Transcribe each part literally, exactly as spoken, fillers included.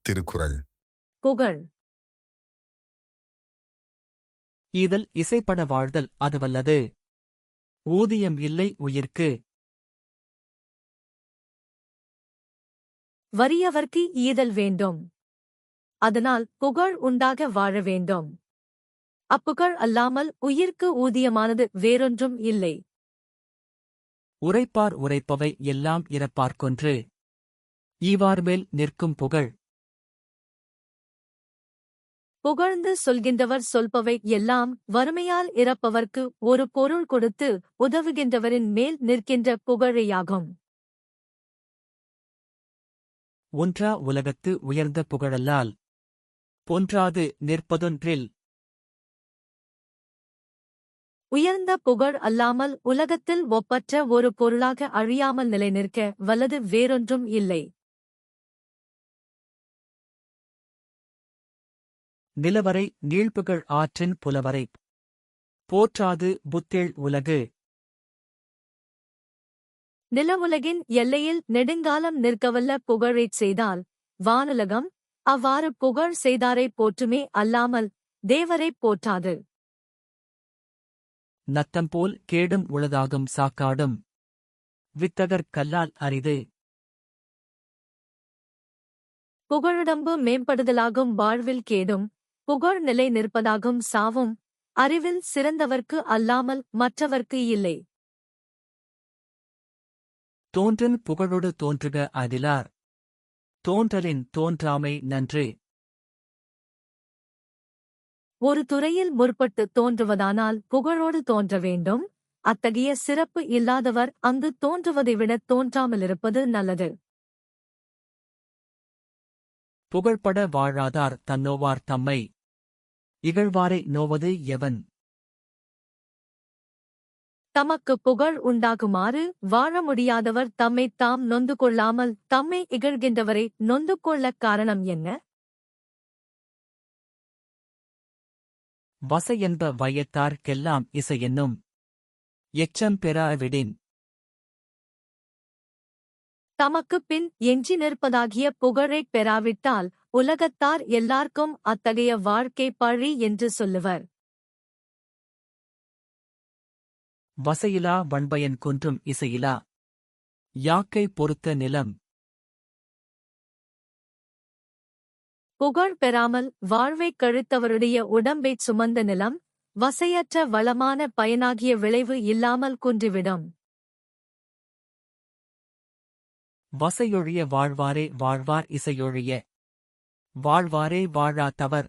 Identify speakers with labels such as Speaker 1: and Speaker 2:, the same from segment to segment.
Speaker 1: திருக்குறள்.
Speaker 2: புகழ்.
Speaker 3: ஈதல் இசைப்பட வாழ்தல் அதுவல்லது. ஊதியம் இல்லை உயிர்க்கு.
Speaker 2: வறியவர்க்கு ஈதல் வேண்டும். அதனால் புகழ் உண்டாக வாழ வேண்டும். அப்புகழ் அல்லாமல் உயிர்க்கு ஊதியமானது வேறொன்றும் இல்லை.
Speaker 3: உரைப்பார் உரைப்பவை எல்லாம் இறப்பார்க்கொன்று. ஈவார்மேல் நிற்கும் புகழ்.
Speaker 2: புகழ்ந்து சொல்கின்றவர் சொல்பவை எல்லாம் வறுமையால் இறப்பவர்க்கு ஒரு பொருள் கொடுத்து உதவுகின்றவரின் மேல் நிற்கின்ற புகழேயாகும்.
Speaker 3: ஒன்றா உலகத்து உயர்ந்த புகழல்லால் பொன்றாது நிற்பதொன்றில்.
Speaker 2: உயர்ந்த புகழ் அல்லாமல் உலகத்தில் ஒப்பற்ற ஒரு பொருளாக அழியாமல் நிலைநிற்க வல்லது வேறொன்றும் இல்லை.
Speaker 3: நிலவரை நீழ்புகழ் ஆற்றின் புலவரை போற்றாது புத்தேள் உலகு.
Speaker 2: நிலவுலகின் எல்லையில் நெடுங்காலம் நிற்கவல்ல புகழைச் செய்தால் வானுலகம் அவ்வாறு புகழ் செய்தாரைப் போற்றுமே அல்லாமல் தேவரைப் போற்றாது.
Speaker 3: நத்தம்போல் கேடும் உளதாகும் சாக்காடும். வித்தகர் கல்லால் அரிது.
Speaker 2: புகழுடம்பு மேம்படுதலாகும் வாழ்வில் கேடும் புகழ் நிலை நிற்பதாகும் சாவும் அறிவில் சிறந்தவர்க்கு அல்லாமல் மற்றவர்க்கு இல்லை.
Speaker 3: தோன்றன் புகழொடு தோன்றுக அதிலார். தோன்றலின் தோன்றாமை நன்று.
Speaker 2: ஒரு துறையில் முற்பட்டு தோன்றுவதானால் புகழோடு தோன்ற வேண்டும். அத்தகைய சிறப்பு இல்லாதவர் அங்கு தோன்றுவதை விட தோன்றாமலிருப்பது நல்லது.
Speaker 3: புகழ்பட வாழாதார் தன்னோவார் தம்மை. இகழ்வாரை நோவது எவன்?
Speaker 2: தமக்கு புகழ் உண்டாகுமாறு வாழ முடியாதவர் தம்மைத் தாம் நொந்து கொள்ளாமல் தம்மை இகழ்கின்றவரை நொந்து கொள்ளக் காரணம் என்ன?
Speaker 3: வசையென்ப வையத்தார்க்கெல்லாம் இசையென்னும். எச்சம் பெறாவிடின்.
Speaker 2: தமக்குப் பின் எஞ்சி நிற்பதாகிய புகழைப் பெறாவிட்டால் உலகத்தார் எல்லார்க்கும் அத்தகைய வாழ்க்கை பழி என்று சொல்லுவர்.
Speaker 3: வசையிலா வண்பயன் குன்றும் இசையிலா. யாக்கை பொறுத்த நிலம்.
Speaker 2: புகழ் பெறாமல் வாழ்வைக் கழித்தவருடைய உடம்பைச் சுமந்த நிலம் வசையற்ற வளமான பயனாகிய விளைவு இல்லாமல் குன்றிவிடும்.
Speaker 3: வசையொழிய வாழ்வாரே வாழ்வார் இசையொழிய வாழ்வாரே வாழா தவர்.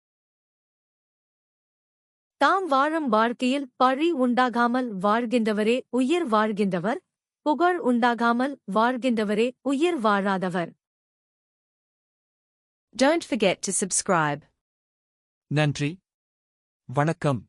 Speaker 2: தாம் வாழும் வாழ்க்கையில் பழி உண்டாகாமல் வாழ்கின்றவரே உயிர் வாழ்கின்றவர். புகழ் உண்டாகாமல் வாழ்கின்றவரே உயிர் வாழாதவர்.
Speaker 4: Don't forget to subscribe.
Speaker 3: நன்றி. வணக்கம்.